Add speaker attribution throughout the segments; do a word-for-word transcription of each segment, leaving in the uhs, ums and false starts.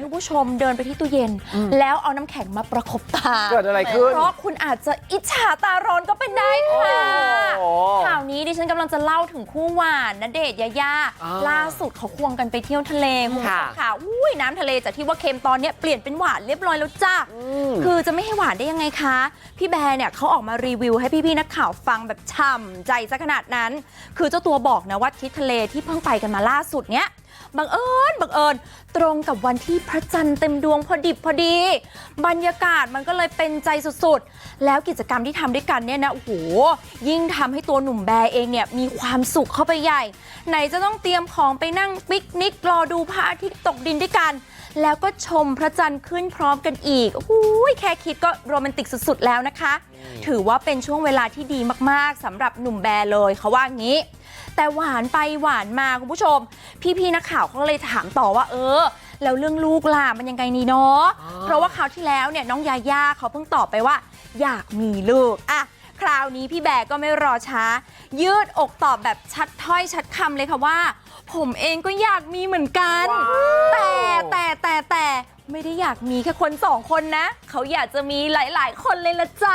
Speaker 1: ให้ผู้ชมเดินไปที่ตู้เย็นแล้วเอาน้ำแข็งมาประคบตา
Speaker 2: เกิดอะไรขึ้น
Speaker 1: เพราะคุณอาจจะอิจฉาตาร้อนก็เป็นได้ค่ะข่าวนี้ดิฉันกำลังจะเล่าถึงคู่หวานณเดชน์ยายาล่าสุดเขาควงกันไปเที่ยวทะเลคุณผู้ชมค่ะอุ้ยน้ำทะเลจากที่ว่าเค็มตอนนี้เปลี่ยนเป็นหวานเรียบร้อยแล้วจ้าคือจะไม่ให้หวานได้ยังไงคะพี่แบร์เนี่ยเขาออกมารีวิวให้พี่ๆนักข่าวฟังแบบฉ่ำใจซะขนาดนั้นคือเจ้าตัวบอกนะว่าทริปทะเลที่เพิ่งไปกันมาล่าสุดเนี้ยบังเอิญบังเอิญตรงกับวันที่พระจันทร์เต็มดวงพอดิบพอดีบรรยากาศมันก็เลยเป็นใจสุดๆแล้วกิจกรรมที่ทำด้วยกันเนี่ยนะโอ้โหยิ่งทำให้ตัวหนุ่มแบร์เองเนี่ยมีความสุขเข้าไปใหญ่ไหนจะต้องเตรียมของไปนั่งปิกนิกรอดูพระอาทิตย์ตกดินด้วยกันแล้วก็ชมพระจันทร์ขึ้นพร้อมกันอีกโอ้ยแค่คิดก็โรแมนติกสุดๆแล้วนะคะถือว่าเป็นช่วงเวลาที่ดีมากๆสำหรับหนุ่มแบร์เลยเขาว่างี้แต่หวานไปหวานมาคุณผู้ชมพี่ๆนักข่าวเขาเลยถามต่อว่าเออแล้วเรื่องลูกล่ะมันยังไงนี่เนาะเพราะว่าคราวที่แล้วเนี่ยน้องยาย่าเขาเพิ่งตอบไปว่าอยากมีลูกอะคราวนี้พี่แบร์ก็ไม่รอช้ายืดอกตอบแบบชัดถ้อยชัดคำเลยค่ะว่าผมเองก็อยากมีเหมือนกันแต่แต่แต่แต่ไม่ได้อยากมีแค่คนสองคนนะเขาอยากจะมีหลายๆคนเลยละจ้า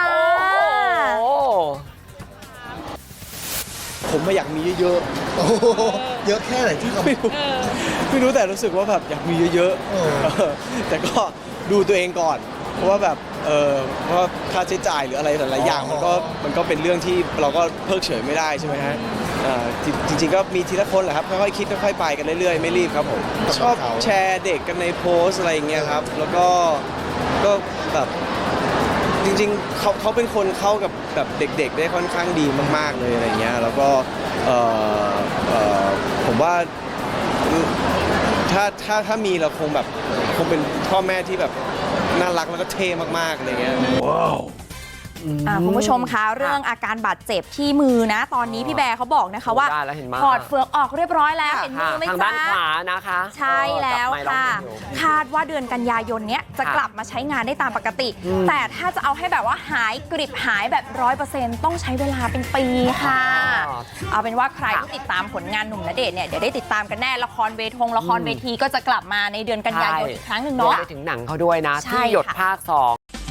Speaker 3: ผมไม่อยากมีเยอะๆโอ้โหเยอะแค่ไหนที่เขาไม่รู้ไม่รู้แต่รู้สึกว่าแบบอยากมีเยอะๆแต่ก็ดูตัวเองก่อนเพราะว่าแบบเออเพราะค่าใช้จ่ายหรืออะไรหลายๆอย่างมันก็มันก็เป็นเรื่องที่เราก็เพิกเฉยไม่ได้ใช่ไหมฮะจริงๆก็มีทีละคนแหละครับค่อยๆคิดค่อยๆไปกันเรื่อยๆไม่รีบครับผมชอบแชร์เด็กกันในโพสอะไรอย่างเงี้ยครับแล้วก็ก็แบบจริงๆเขาเขาเป็นคนเข้ากับแบบเด็กๆได้ค่อนข้างดีมากๆเลยอะไรเงี้ยแล้วก็เอ่อเอ่อผมว่าถ้าถ้าถ้ามีเราคงแบบคงเป็นพ่อแม่ที่แบบน่ารักแล้วก็เท่มากๆอะไรเงี้ยว้าว
Speaker 1: คุณผู้ชมคะเรื่องอาการบาดเจ็บที่มือนะตอนนี้พี่แบร์เขาบอกนะคะว่าถอดเฟือกออกเรียบร้อยแล้วเห็นมือไหมจ๊ะ
Speaker 2: ทางด้านขวานะคะ
Speaker 1: ใช่แล้วค่ะคาดว่าเดือนกันยายนเนี้ยจะกลับมาใช้งานได้ตามปกติแต่ถ้าจะเอาให้แบบว่าหายกริบหายแบบร้อยเปอร์เซ็นต์ต้องใช้เวลาเป็นปีค่ะเอาเป็นว่าใครที่ติดตามผลงานหนุ่มณเดชน์เนี่ยเดี๋ยวได้ติดตามกันแน่ละครเวทงละครเวทีก็จะกลับมาในเดือนกันยายนอีกครั้งหนึ่งเนาะ
Speaker 2: ไปถึงหนังเขาด้วยนะที่หยดภาคสอง